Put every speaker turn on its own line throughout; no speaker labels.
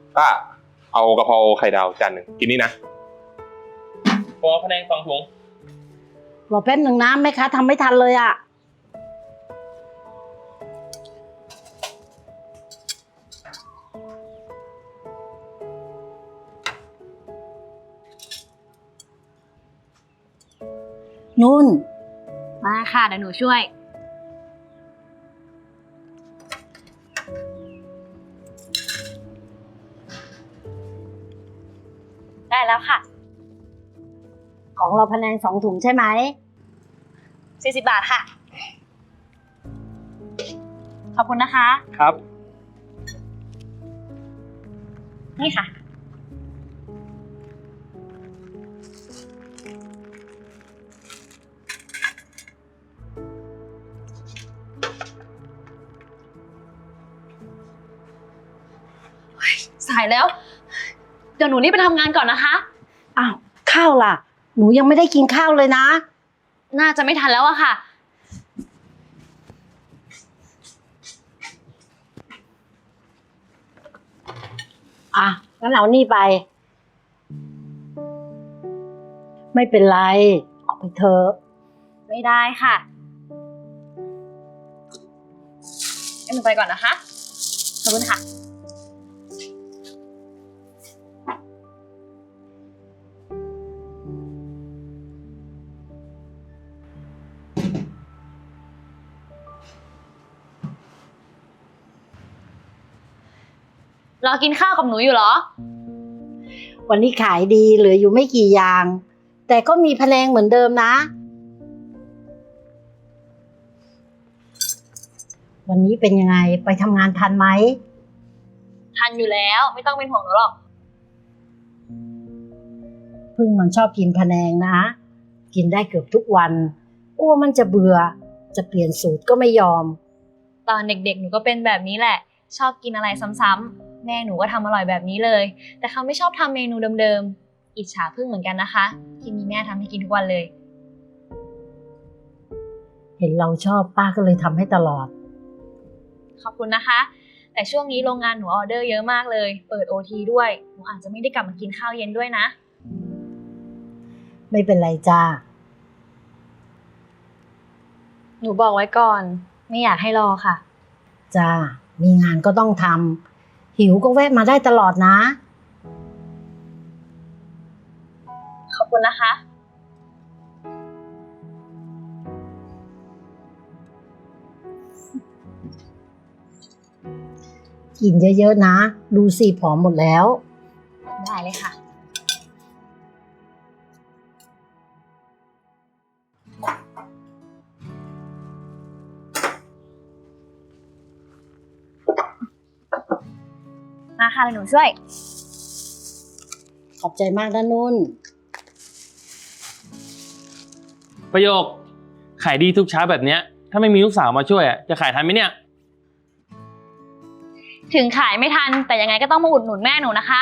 ป้าเอากะเพราไข่ดาวจานหนึ่งกินนี่นะพอพะแนง2 ถุง
รอแป๊บหนึ่งนะแม่ค้าทำไม่ทันเลยอ่ะนุ่น
มาค่ะเดี๋ยวหนูช่วยได้แล้วค่ะ
ของเราพะแนง2 ถุงใช่ไหม
40 บาทค่ะขอบคุณนะคะ
ครับ
นี่ค่ะสายแล้วเดี๋ยวหนูรีบไปทำงานก่อนนะคะ
อ้าวข้าวล่ะหนูยังไม่ได้กินข้าวเลยนะ
น่าจะไม่ทันแล้วอะค่ะ
งั้นเอานี่ไปไม่เป็นไรเอาไปเถอะ
ไม่ได้ค่ะงั้นหนูไปก่อนนะคะขอบคุณค่ะรอกินข้าวกับหนูอยู่เหรอ
วันนี้ขายดีเหลืออยู่ไม่กี่อย่างแต่ก็มีพะแนงเหมือนเดิมนะวันนี้เป็นยังไงไปทำงานทันไหม
ทันอยู่แล้วไม่ต้องเป็นห่วงหนูหรอก
พึ่งมันชอบกินพะแนงนะกินได้เกือบทุกวันกลัวมันจะเบื่อจะเปลี่ยนสูตรก็ไม่ยอม
ตอนเด็กๆหนูก็เป็นแบบนี้แหละชอบกินอะไรซ้ำๆแม่หนูก็ทำอร่อยแบบนี้เลยแต่เขาไม่ชอบทำเมนูเดิมๆอิจฉาพึ่งเหมือนกันนะคะที่มีแม่ทำให้กินทุกวันเลย
เห็นเราชอบป้าก็เลยทำให้ตลอด
ขอบคุณนะคะแต่ช่วงนี้โรงงานหนูออเดอร์เยอะมากเลยเปิด OT ด้วยหนูอาจจะไม่ได้กลับมากินข้าวเย็นด้วยนะ
ไม่เป็นไรจ้า
หนูบอกไว้ก่อนไม่อยากให้รอค่ะ
จ้ามีงานก็ต้องทำหิวก็แวะมาได้ตลอดนะ
ขอบคุณนะคะ
กินเยอะๆนะดูสิผอมหมดแล้ว
ได้เลยค่ะมาค่ะเดี๋ยวหนูช่วย
ขอบใจมากนะนุ่น
ประโยคขายดีทุกเช้าแบบเนี้ยถ้าไม่มีลูกสาวมาช่วยจะขายทันไหมเนี่ย
ถึงขายไม่ทันแต่ยังไงก็ต้องมาอุดหนุนแม่หนูนะคะ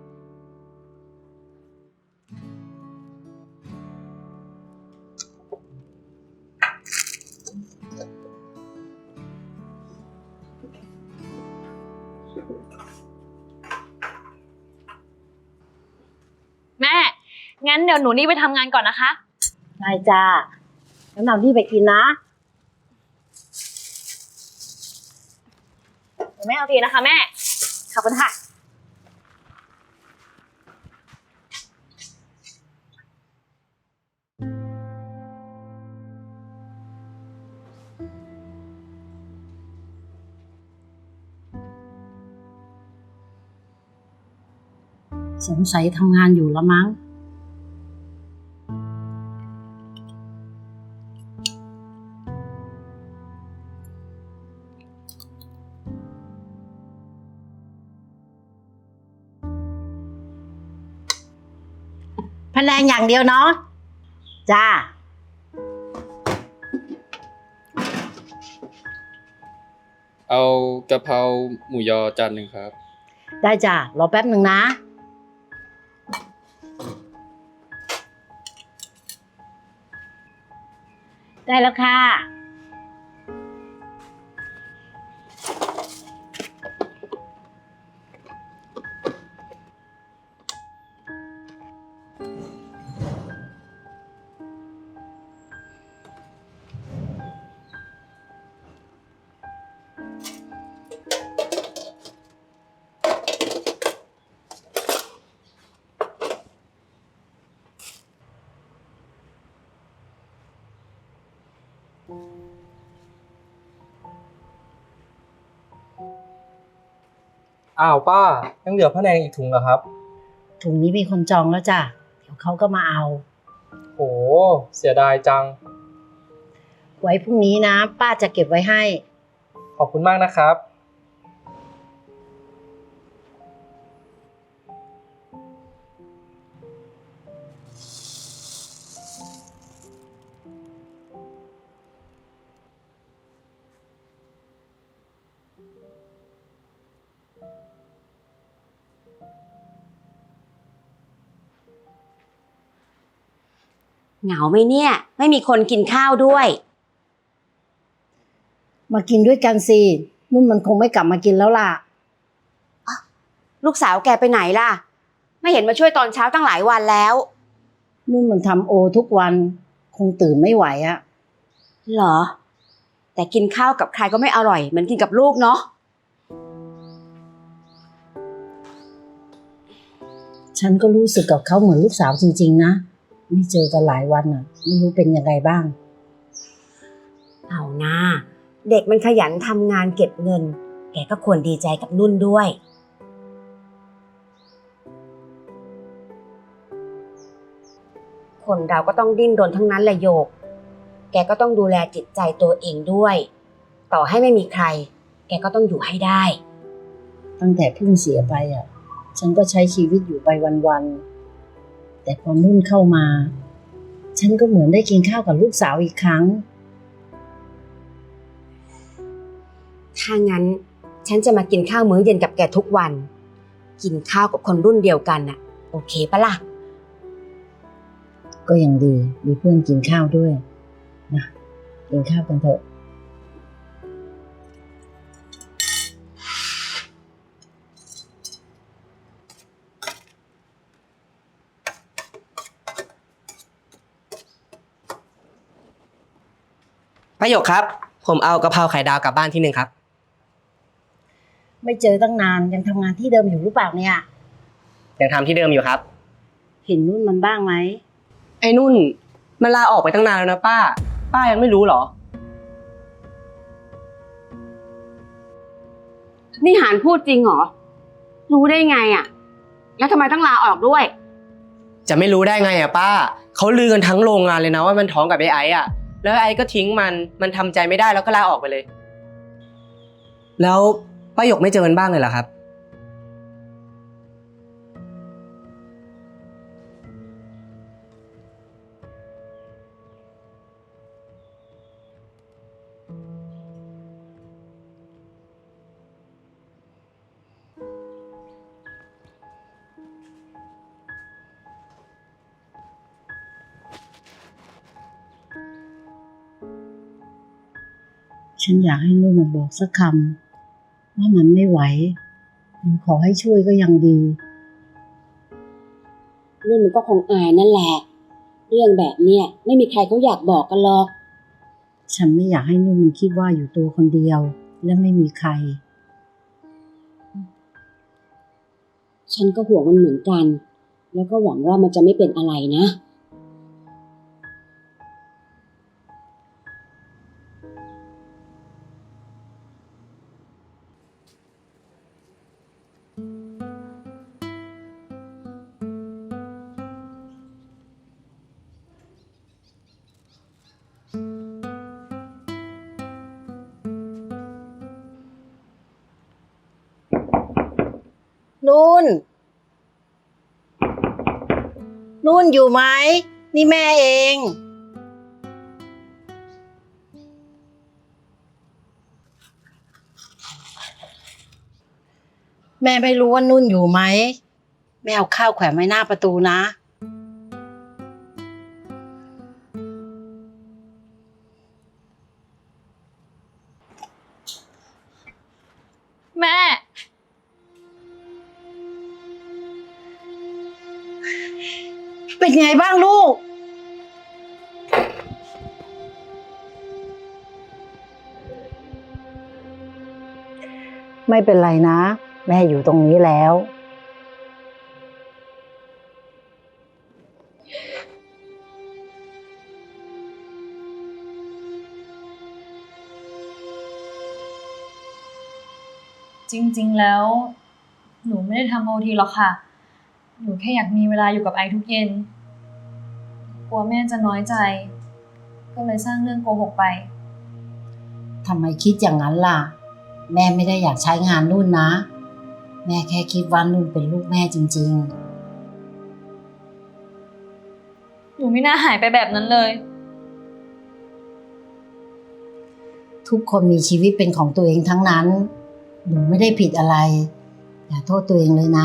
แม่งั้นเดี๋ยวหนูรีบไปทำงานก่อนนะคะ
ได้จ้างั้นเอาที่ไปกินนะ
เดี๋ยวแม่เอาทีนะคะแม่ขอบคุณค่ะ
สงสัยทำงานอยู่ละมั้งพะแนงอย่างเดียวเนาะจ้า
เอากะเพราหมูยอจานหนึ่งครับ
ได้จ้ารอแป๊บหนึ่งนะได้แล้วค่ะ
อ้าวป้ายังเหลือพะแนงอีกถุงเหรอครับ
ถุงนี้มีคนจองแล้วจ้ะ เดี๋ยวเขาก็มาเอา
โหเสียดายจัง
ไว้พรุ่งนี้นะ ป้าจะเก็บไว้ให้
ขอบคุณมากนะครับ
เหงาไหมเนี่ย ไม่มีคนกินข้าวด้วย
มากินด้วยกันสิ นุ่นมันคงไม่กลับมากินแล้วล่ะ
ลูกสาวแกไปไหนล่ะ ไม่เห็นมาช่วยตอนเช้าตั้งหลายวันแล้ว
นุ่นมันทำโอทุกวัน คงตื่นไม่ไหวอะ
เหรอ แต่กินข้าวกับใครก็ไม่อร่อยเหมือนกินกับลูกเนาะ
ฉันก็รู้สึกกับเขาเหมือนลูกสาวจริงๆนะ ไม่เจอกันหลายวันอะไม่รู้เป็นยังไงบ้าง
เอานะเด็กมันขยันทำงานเก็บเงิน แกก็ควรดีใจกับนุ่นด้วย คนเราก็ต้องดิ้นรนทั้งนั้นแหละโยก แกก็ต้องดูแลจิตใจตัวเองด้วย ต่อให้ไม่มีใคร แกก็ต้องอยู่ให้ได้
ตั้งแต่เพิ่งเสียไปอ่ะ ฉันก็ใช้ชีวิตอยู่ไปวันๆ แต่พอนุ่นเข้ามา ฉันก็เหมือนได้กินข้าวกับลูกสาวอีกครั้ง
ถ้างั้นฉันจะมากินข้าวมื้อเย็นกับแกทุกวัน กินข้าวกับคนรุ่นเดียวกันน่ะ โอเคปะล่ะ
ก็ยังดี มีเพื่อนกินข้าวด้วยนะกินข้าวกันเถอะ
ประโยคครับ ผมเอากะเพราไข่ดาวกลับบ้านที่หนึ่งครับ
ไม่เจอตั้งนานยังทำงานที่เดิมอยู่หรือเปล่าเนี่ย
ยังทำที่เดิมอยู่ครับ
เห็นนุ่นมันบ้างไหม
ไอ้นุ่นมันลาออกไปตั้งนานแล้วนะป้า ป้ายังไม่รู้เหรอ
นี่หานพูดจริงเหรอ รู้ได้ไงอ่ะ แล้วทำไมต้องลาออกด้วย
จะไม่รู้ได้ไงอ่ะป้า เขาลือกันทั้งโรงงานเลยนะว่ามันท้องกับไอ้ไอ้อ่ะ แล้วไอ้ก็ทิ้งมันทำใจไม่ได้แล้วก็ลาออกไปเลย แล้วป้าหยกไม่เจอมันบ้างเลยเหรอครับ
ฉันอยากให้นุ่นมาบอกสักคำว่ามันไม่ไหวหรือขอให้ช่วยก็ยังดี
นุ่นมันก็คงอายนั่นแหละ เรื่องแบบเนี้ยไม่มีใครเขาอยากบอกกันหรอก
ฉันไม่อยากให้นุ่นมันคิดว่าอยู่ตัวคนเดียว และไม่มีใคร
ฉันก็ห่วงมันเหมือนกัน แล้วก็หวังว่ามันจะไม่เป็นอะไรนะ
นุ่น นุ่นอยู่ไหม นี่แม่เอง แม่ไม่รู้ว่านุ่นอยู่ไหม แม่เอาข้าวแขวนไว้หน้าประตูนะ
แม่
เป็นไงบ้างลูก นไม่เป็นไรนะ แม่อยู่ตรงนี้แล้ว
จริงๆ แล้ว หนูไม่ได้ทำโอทีหรอกค่ะ หนูแค่อยากมีเวลาอยู่กับไอทุกเย็น กลัวแม่จะน้อยใจ ก็เลยสร้างเรื่องโกหกไป
ทำไมคิดอย่างนั้นล่ะ แม่ไม่ได้อยากใช้งานนุ่นนะ แม่แค่คิดว่านุ่นเป็นลูกแม่จริง
หนูไม่น่าหายไปแบบนั้นเลย
ๆ ทุกคนมีชีวิตเป็นของตัวเองทั้งนั้น หนูไม่ได้ผิดอะไร อย่าโทษตัวเองเลยนะ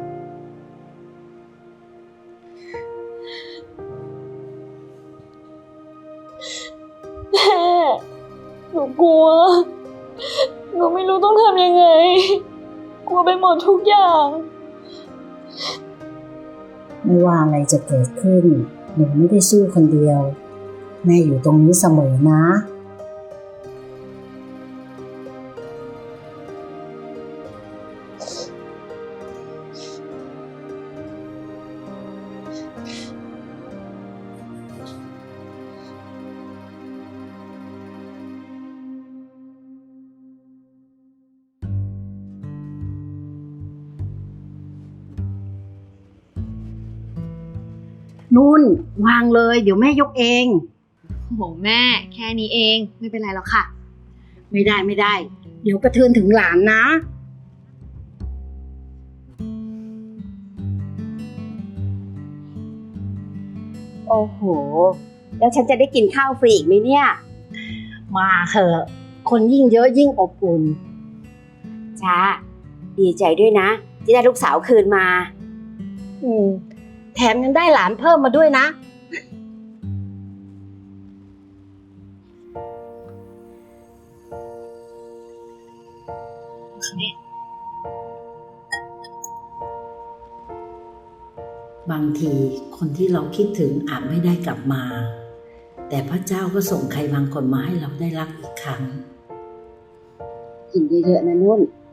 แม่ หนูกลัว หนูไม่รู้ต้องทำยังไง กลัวไปหมดทุกอย่าง
ไม่ว่าอะไรจะเกิดขึ้น หนูไม่ได้สู้คนเดียว แม่อยู่ตรงนี้เสมอนะ นุ่นวางเลย เดี๋ยวแม่ยกเอง
โหแม่ แค่นี้เอง ไม่เป็นไรหรอกค่ะ
ไม่ได้ไม่ได้ เดี๋ยวกระเทือนถึงหลานนะ
โอ้โห แล้วฉันจะได้กินข้าวฟรีอีกไหมเนี่ย
มาเถอะคนยิ่งเยอะยิ่งอบอุ่น
ช้า ดีใจด้วยนะ ที่ได้ลูกสาวคืนมา
แถมยังได้หลานเพิ่มมาด้วยนะ บางทีคนที่เราคิดถึงอาจไม่ได้กลับมา แต่พระเจ้าก็ส่งใครบางคนมาให้เราได้รักอีกครั้ง
กินเยอะๆนะนุ่น